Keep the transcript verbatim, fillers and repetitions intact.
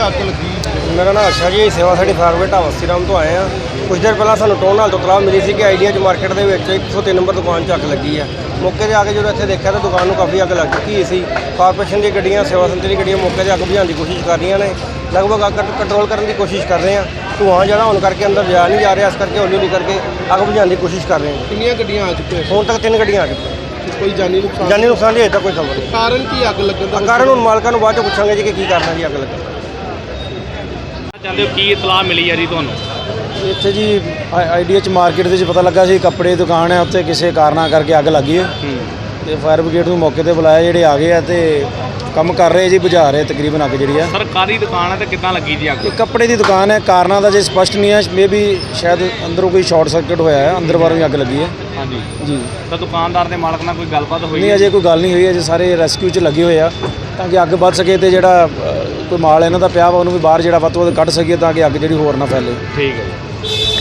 ਅੱਗ ਲੱਗੀ? मेरा नाम अच्छा जी, सेवा साडी फारवर्ड ढाबा श्रीराम तो आए हैं। कुछ देर पहला सानू टोन हाल तो तलाह मिली सी कि आइडिया च मार्केट ਦੇ ਵਿੱਚ एक सौ तीन नंबर दुकान 'ਚ ਅੱਗ ਲੱਗੀ ਆ। ਮੌਕੇ 'ਤੇ ਆ ਕੇ ਜਦੋਂ ਇੱਥੇ ਦੇਖਿਆ ਤਾਂ ਦੁਕਾਨ ਨੂੰ ਕਾਫੀ ਅੱਗ ਲੱਗ ਚੁੱਕੀ ਸੀ। ਕਾਰਪੋਰੇਸ਼ਨ ਦੀਆਂ ਗੱਡੀਆਂ, ਸੇਵਾ ਸੰਤਰੀ ਦੀਆਂ ਗੱਡੀਆਂ ਮੌਕੇ 'ਤੇ ਅੱਗ ਬੁਝਾਉਣ ਦੀ ਕੋਸ਼ਿਸ਼ ਕਰ ਰਹੀਆਂ ਨੇ। ਲਗਭਗ ਅੱਗ ਕੰਟਰੋਲ ਕਰਨ ਦੀ ਕੋਸ਼ਿਸ਼ ਕਰ ਰਹੇ ਆ। ਧੂੰਆਂ ਜਿਹੜਾ ਹੋਣ ਕਰਕੇ ਅੰਦਰ ਜਾ ਨਹੀਂ ਜਾ ਰਿਹਾ, ਇਸ ਕਰਕੇ ਹੌਲੀ ਹੌਲੀ ਕਰਕੇ ਅੱਗ ਬੁਝਾਉਣ ਦੀ ਕੋਸ਼ਿਸ਼ ਕਰ ਰਹੇ ਹਾਂ। ਕਿੰਨੀਆਂ ਗੱਡੀਆਂ ਆ ਚੁੱਕੀਆਂ? ਹੁਣ ਤੱਕ ਤਿੰਨ ਗੱਡੀਆਂ ਆ ਚੁੱਕੀਆਂ। ਕੋਈ ਜਾਨੀ ਨੁਕਸਾਨ? ਜਾਨੀ ਨੁਕਸਾਨ ਦੀ ਅਜੇ ਤੱਕ ਕੋਈ ਖਬਰ ਨਹੀਂ। ਕਾਰਨ ਕੀ ਅੱਗ ਲੱਗਣ ਦਾ? ਕਾਰਨ ਹੁਣ ਮਾਲਕਾਂ ਨੂੰ ਬਾਅਦ 'ਚ ਪੁੱਛਾਂਗੇ ਜੀ ਕਿ ਕੀ ਕਾਰਨ ਹੈ ਜੀ ਅੱਗ ਲੱਗਣ ਦਾ। ਚਾਹੁੰਦੇ ਹੋ ਕੀ ਇਤਲਾਹ ਮਿਲੀ ਹੈ ਜੀ ਤੁਹਾਨੂੰ? ਇੱਥੇ ਜੀ ਆਈਡੀਆ ਚ ਮਾਰਕੀਟ ਦੇ ਵਿੱਚ ਪਤਾ ਲੱਗਾ ਸੀ ਕੱਪੜੇ ਦੀ ਦੁਕਾਨ ਹੈ, ਉੱਥੇ ਕਿਸੇ ਕਾਰਨਾਂ ਕਰਕੇ ਅੱਗ ਲੱਗੀ ਹੈ ਤੇ ਫਾਇਰ ਬ੍ਰਿਗੇਡ ਨੂੰ ਮੌਕੇ ਤੇ ਬੁਲਾਇਆ, ਜਿਹੜੇ ਆ ਗਏ ਆ ਤੇ ਕੰਮ ਕਰ ਰਹੇ ਜੀ, ਬੁਝਾ ਰਹੇ ਤਕਰੀਬਨ ਅੱਗ ਜਿਹੜੀ ਆ। ਸਰਕਾਰੀ ਦੁਕਾਨ ਹੈ ਤੇ ਕਿੱਦਾਂ ਲੱਗੀ ਜੀ ਅੱਗ? ਇਹ ਕੱਪੜੇ ਦੀ ਦੁਕਾਨ ਹੈ, ਕਾਰਨਾਂ ਦਾ ਜੇ ਸਪਸ਼ਟ ਨਹੀਂ ਹੈ, ਮੇ ਵੀ ਸ਼ਾਇਦ ਅੰਦਰੋਂ ਕੋਈ ਸ਼ਾਰਟ ਸਰਕਟ ਹੋਇਆ ਹੈ, ਅੰਦਰ ਬਾਹਰੋਂ ਹੀ ਅੱਗ ਲੱਗੀ ਹੈ। ਹਾਂਜੀ ਜੀ। ਤਾਂ ਦੁਕਾਨਦਾਰ ਦੇ ਮਾਲਕ ਨਾਲ ਕੋਈ ਗੱਲਬਾਤ ਹੋਈ? ਨਹੀਂ, ਅਜੇ ਕੋਈ ਗੱਲ ਨਹੀਂ ਹੋਈ, ਅਜੇ ਸਾਰੇ ਰੈਸਕਿਊ 'ਚ ਲੱਗੇ ਹੋਏ ਆ ਤਾਂ ਕਿ ਅੱਗ ਵੱਧ ਸਕੇ ਤੇ ਜਿਹੜਾ ਕੋਈ ਮਾਲ ਇਹਨਾਂ ਦਾ ਪਿਆ ਵਾ ਉਹਨੂੰ ਵੀ ਬਾਹਰ ਜਿਹੜਾ ਵੱਧ ਤੋਂ ਵੱਧ ਕੱਢ ਸਕੀਏ ਤਾਂ ਕਿ ਅੱਗ ਜਿਹੜੀ ਹੋਰ ਨਾ ਫੈਲੇ। ਠੀਕ ਹੈ ਜੀ।